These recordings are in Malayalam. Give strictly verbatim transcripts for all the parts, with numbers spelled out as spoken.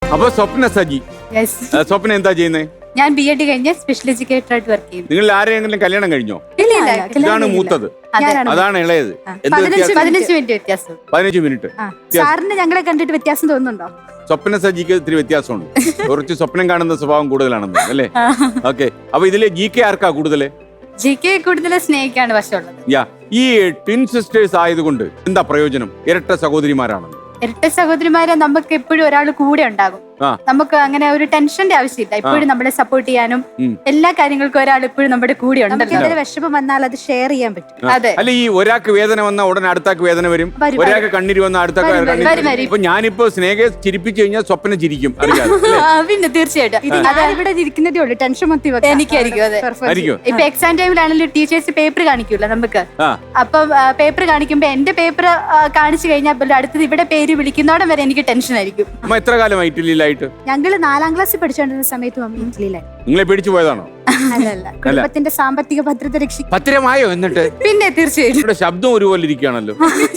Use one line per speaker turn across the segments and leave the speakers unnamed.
അപ്പൊ സ്വപ്ന സജി,
Yes.
ആ, സ്വപ്ന എന്താ ചെയ്യുന്നത്?
ഞാൻ ബി എഡ് കഴിഞ്ഞ സ്പെഷ്യൽ എഡ്യൂക്കേറ്റർ ആയിട്ട് വർക്ക് ചെയ്യുന്നു.
നിങ്ങൾ ആരെയെങ്കിലും കല്യാണം കഴിഞ്ഞോ?
ഇല്ല ഇല്ല,
ഇതാണ് മൂത്തത്, അതാണ് ഇളയത്. എന്ത്
പതിനഞ്ച്
വ്യത്യാസം?
പതിനഞ്ച് മിനിറ്റ് വ്യത്യാസം.
പതിനഞ്ച് മിനിറ്റ്.
സാറിന് ഞങ്ങളെ കണ്ടിട്ട് വ്യത്യാസം തോന്നുന്നുണ്ടോ?
സ്വപ്ന സജിക്ക് ഇത്തിരി വ്യത്യാസമുണ്ട്. കുറച്ച് സ്വപ്നം കാണുന്ന സ്വഭാവം കൂടുതലാണെന്ന് അല്ലേ? ഓക്കെ. അപ്പൊ ഇതില് ജി കെ ആർക്കാ കൂടുതല്?
ജി കെ കൂടുതൽ സ്നേഹിക്കാണ് വശമുള്ളത്.
യാ, ഈ ട്വിൻ സിസ്റ്റേഴ്സ് ആയതുകൊണ്ട് എന്താ പ്രയോജനം? ഇരട്ട സഹോദരിമാരാണ്.
ഇരട്ട സഹോദരിമാരെ നമുക്ക് എപ്പോഴും ഒരാൾ കൂടെ ഉണ്ടാകും.
ആ.
നമുക്ക് അങ്ങനെ ഒരു ടെൻഷന്റെ ആവശ്യമില്ല. എപ്പോഴും നമ്മളെ സപ്പോർട്ട് ചെയ്യാനും
ഉം.
എല്ലാ കാര്യങ്ങൾക്കും ഒരാൾ എപ്പോഴും നമ്മുടെ കൂടെ
നമുക്ക്
ഉണ്ടല്ലോ.
എന്തെങ്കിലും വിഷമം വന്നാൽ അത് ഷെയർ ചെയ്യാൻ പറ്റും.
അതെ.
അല്ല, ഈ ഒരാൾക്ക് വേദന വന്ന ഉടനെ അടുത്താക്ക് വേദന വരും,
വരും,
ഒരാൾക്ക് കണ്ണീര് വന്ന അടുത്താക്ക്
വരും,
കണ്ണീര്
വരും,
വരും.
വരും.
ഇപ്പൊ ഞാനിപ്പോ സ്നേഹയെ ചിരിപ്പിച്ചു കഴിഞ്ഞാൽ സ്വപ്നം ചിരിക്കും, അറിയാതെ.
ആ, പിന്നെ തീർച്ചയായിട്ടും
ഇത് ഞാൻ ഇവിടെ ഇരിക്കുന്നതേ ഉള്ളൂ, ടെൻഷൻ മൊത്തം വെക്കാം.
എനിക്കായിരിക്കും. അതെ.
ആയിരിക്കും.
ഇപ്പൊ എക്സാം ടൈമിലാണെങ്കിലും ടീച്ചേഴ്സ് പേപ്പർ കാണിക്കൂല നമുക്ക്.
ആ.
അപ്പൊ പേപ്പർ കാണിക്കുമ്പോ എന്റെ പേപ്പർ കാണിച്ചു കഴിഞ്ഞാൽ പോലും അടുത്തത് ഇവിടെ പേര് വിളിക്കുന്നോടം വരെ എനിക്ക് ടെൻഷൻ ആയിരിക്കും.
അമ്മ എത്ര കാലം ഇറ്റലിയിലായിട്ട്?
ഞങ്ങള് നാലാം ക്ലാസ്സിൽ പഠിച്ചുകൊണ്ടിരുന്ന സമയത്ത് മമ്മി ഇറ്റലിയിലായി.
നിങ്ങളെ പേടിച്ചു പോയതാണോ?
അല്ലല്ല, കുടുംബത്തിന്റെ സാമ്പത്തിക ഭദ്രത രക്ഷിക്കും.
പത്തിരമായോ? എന്നിട്ട്
പിന്നെ തീർച്ചയായിട്ടും
ഇവിടെ ശബ്ദം ഒരുപോലെ ഇരിക്കുകയാണല്ലോ,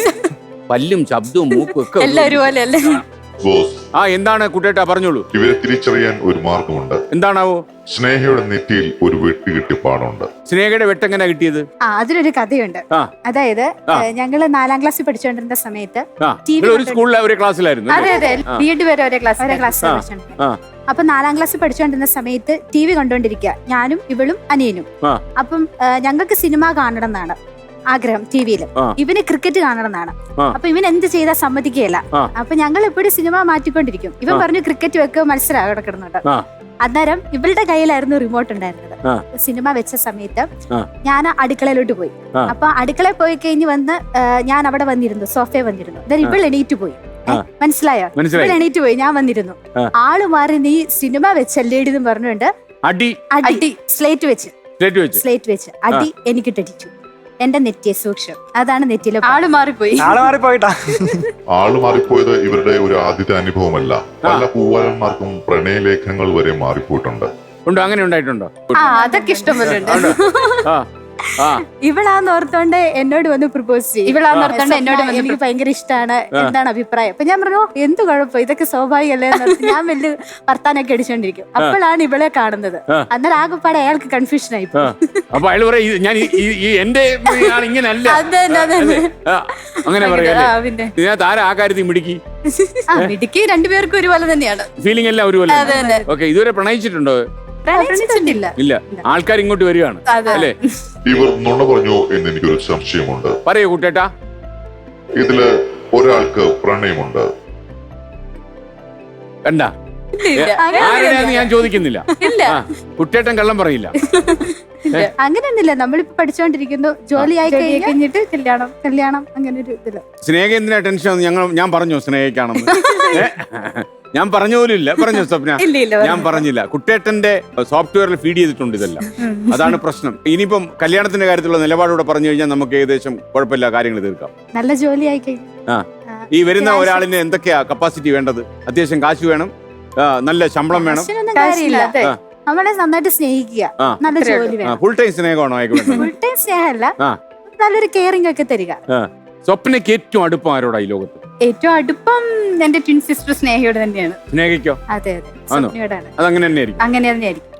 പല്ലും ശബ്ദവും മൂക്കും ഒക്കെ
എല്ലാം ഒരുപോലെ അല്ലേ?
ബോസ്,
ആ, എന്താണ് കുട്ടേട്ടാ, പറഞ്ഞോളൂ.
ഇവരെ തിരിച്ചറിയാൻ ഒരു മാർഗമുണ്ട്.
എന്താണാവോ?
സ്നേഹയുടെ നെറ്റിയിൽ ഒരു വെട്ടുകിട്ടി പാടുണ്ട്.
സ്നേഹയുടെ വെട്ടെങ്ങനെ കിട്ടിയത്?
ആ, അതിനൊരു കഥയുണ്ട്.
ആ.
അതായത്
ആ.
ഏ, ഞങ്ങള് നാലാം ക്ലാസ്സിൽ പഠിച്ചുകൊണ്ടിരുന്ന സമയത്ത്
ആ,
ടി വി
നിങ്ങൾ ഒരു സ്കൂളിലെ ഒരു ക്ലാസ്സിലായിരുന്നു
അതെ
അല്ലേ?
അതെ, ബി എഡ് വരെ ഒരേ ക്ലാസ്
ഒരേ ക്ലാസ്സിൽ
ആ.
പഠിച്ചോണ്ടിരുന്നത്.
ആ,
അപ്പൊ നാലാം ക്ലാസ്സിൽ പഠിച്ചുകൊണ്ടിരുന്ന സമയത്ത് ടി വി കണ്ടോണ്ടിരിക്കുക, ഞാനും ഇവളും അനിയനും.
ആ.
അപ്പം ഏ, ഞങ്ങൾക്ക് സിനിമ കാണണം എന്നാണ് ആഗ്രഹം ടി വിയിൽ.
ആ.
ഇവന് ക്രിക്കറ്റ് കാണണം എന്നാണ്.
ആ.
അപ്പൊ ഇവൻ എന്ത് ചെയ്താൽ സമ്മതിക്കുകയില്ല.
ആ.
അപ്പൊ ഞങ്ങൾ എപ്പോഴും സിനിമ മാറ്റിക്കൊണ്ടിരിക്കും. ഇവൻ
ആ.
പറഞ്ഞു ക്രിക്കറ്റ് വെക്കുക, മത്സരം അവിടെ കിടന്നുണ്ട്.
ആ.
അന്നേരം ഇവളുടെ കയ്യിലായിരുന്നു റിമോട്ട് ഉണ്ടായിരുന്നത്.
ആ.
സിനിമ വെച്ച സമയത്ത്
ആ.
ഞാൻ അടുക്കളയിലോട്ട് പോയി.
ആ.
അപ്പൊ അടുക്കളയിൽ പോയി കഴിഞ്ഞ് വന്ന് ഏ, ഞാൻ അവിടെ വന്നിരുന്നു, സോഫയെ വന്നിരുന്നു. അന്നേരം ഇവൾ എണീറ്റ് പോയി. ഏ,
ആ.
മനസ്സിലായോ?
മനസ്സിലായി.
ഇവൾ എണീറ്റ് പോയി, ഞാൻ വന്നിരുന്നു.
ആ.
ആള് മാറി നീ സിനിമ വെച്ചല്ലേടി എന്ന് പറഞ്ഞുകൊണ്ട്
അടി
അടി
അടി.
സ്ലേറ്റ് വെച്ച്
സ്റ്റേറ്റ് വെച്ച്.
സ്ലേറ്റ് വെച്ച് അടി എനിക്ക് ടടിച്ചു. എന്റെ നെറ്റിയെ സൂക്ഷം. അതാണ് നെറ്റിയിലെ
ആള് മാറിപ്പോയി.
ആള് മാറിപ്പോയിട്ടാ.
ആള് മാറിപ്പോയത് ഇവരുടെ ഒരു ആദ്യത്തെ അനുഭവമല്ല. പല പൂവാലന്മാർക്കും പ്രണയലേഖങ്ങൾ വരെ മാറിപ്പോയിട്ടുണ്ട്.
ഉണ്ടോ? അങ്ങനെ ഉണ്ടായിട്ടുണ്ടോ?
ആ, അതൊക്കെ ഇഷ്ടം പോലെ ഉണ്ട്.
ഉണ്ടോ? ആ, ആ.
ഇവളാന്ന് ഓർത്തോണ്ട് എന്നോട് വന്ന് പ്രപ്പോസ് ചെയ്യും.
ഇവളാന്ന് ഓർത്തോണ്ട് എന്നോട് വന്ന്
എനിക്ക് ഭയങ്കര ഇഷ്ടമാണ്, എന്താണ് അഭിപ്രായം? അപ്പൊ ഞാൻ പറഞ്ഞു എന്ത് കുഴപ്പം, ഇതൊക്കെ സ്വാഭാവികല്ലേ എന്ന് ഓർത്ത് ഞാൻ വലിയ വർത്താനൊക്കെ അടിച്ചോണ്ടിരിക്കും. അപ്പോഴാണ് ഇവളെ കാണുന്നത്. അന്നേരം ആകെപ്പാടെ അയാൾക്ക് കൺഫ്യൂഷൻ ആയി.
ആ. അപ്പൊ അയാൾ പറയാ ഞാൻ ഈ- ഈ- ഈ എന്റെ ആൾ ഇങ്ങനല്ല,
അത് തന്നെ, അത് തന്നെ.
ആ, അങ്ങനെ പറയാല്ലേ?
ആ, പിന്നെ
ഇതിനകത്ത് ആരാ ആ കാര്യത്തിൽ മിടുക്കി?
ആ, മിടുക്കി രണ്ടുപേർക്കും ഒരുപോലെ തന്നെയാണ്.
ഫീലിംഗ് എല്ലാം ഒരുപോലെ
അതെ തന്നെ.
ഓക്കെ. ഇതുവരെ പ്രണയിച്ചിട്ടുണ്ടോ?
പ്രണയിച്ചിട്ടില്ല.
ഇല്ല. ആൾക്കാർ ഇങ്ങോട്ട് വരികയാണ്
അതെ.
അല്ലേ?
ഇവർ നുണ പറഞ്ഞോ എന്ന് എനിക്കൊരു സംശയമുണ്ട്.
പറയൂ കുട്ടേട്ടാ.
ഇതില് ഒരാൾക്ക് പ്രണയമുണ്ട്.
കണ്ട,
ഇല്ല.
ആരുടെയാന്ന് ഞാൻ ചോദിക്കുന്നില്ല.
ഇല്ല.
ആ, കുട്ടേട്ടൻ കള്ളം പറയില്ല.
അങ്ങനെയൊന്നുമില്ല, നമ്മളിപ്പോ പഠിച്ചോണ്ടിരിക്കുന്നു, ജോലി ആയി
ജോലി
കഴിഞ്ഞാൽ
കഴിഞ്ഞിട്ട് കല്യാണം.
കല്യാണം, അങ്ങനെ ഒരു ഇതില്ല.
സ്നേഹ എന്തിനാ ടെൻഷൻ? ഞങ്ങൾ ഞാൻ പറഞ്ഞോ സ്നേഹിക്കാണെന്ന്? ഏ? ഞാൻ പറഞ്ഞ പോലും ഇല്ല. പറഞ്ഞോ സ്വപ്ന?
ഇല്ല, ഇല്ല,
ഞാൻ പറഞ്ഞില്ല. കുട്ടേട്ടന്റെ സോഫ്റ്റ്വെയറിൽ ഫീഡ് ചെയ്തിട്ടുണ്ട് ഇതെല്ലാം. അതാണ് പ്രശ്നം. ഇനിയിപ്പം കല്യാണത്തിന്റെ കാര്യത്തിലുള്ള നിലപാടൂടെ പറഞ്ഞു കഴിഞ്ഞാൽ നമുക്ക് ഏകദേശം കുഴപ്പമില്ല, കാര്യങ്ങൾ തീർക്കാം.
നല്ല ജോലി ആയി കഴിഞ്ഞു.
ആ, ഈ വരുന്ന ഒരാളിന് എന്തൊക്കെയാ കപ്പാസിറ്റി വേണ്ടത്? അത്യാവശ്യം കാശ് വേണം, ആ, നല്ല ശമ്പളം വേണം,
കാശിനൊന്നും കാര്യമില്ല.
അതെ.
ആ.
നമ്മളെ നന്നായിട്ട് സ്നേഹിക്കുക,
ആ.
നല്ല ജോലി വേണം.
ഫുൾ ടൈം സ്നേഹമാണോ അയക്ക് വേണ്ടത്?
ഫുൾ ടൈം സ്നേഹമല്ല,
ആ.
നല്ലൊരു കെയറിംഗ് ഒക്കെ തരിക.
ആ. സ്വപ്നയ്ക്ക് ഏറ്റവും അടുപ്പം ആരോടാ ഈ ലോകത്ത്?
ഏറ്റവും അടുപ്പം എന്റെ ട്വിൻ സിസ്റ്റർ സ്നേഹയോട് തന്നെയാണ്.
സ്നേഹിക്കോ?
അതെ അതെ,
ആണോ?
സ്വപ്നയോടാണ്.
അതങ്ങനെ തന്നെ ആയിരിക്കും.
അങ്ങനെ തന്നെയായിരിക്കും.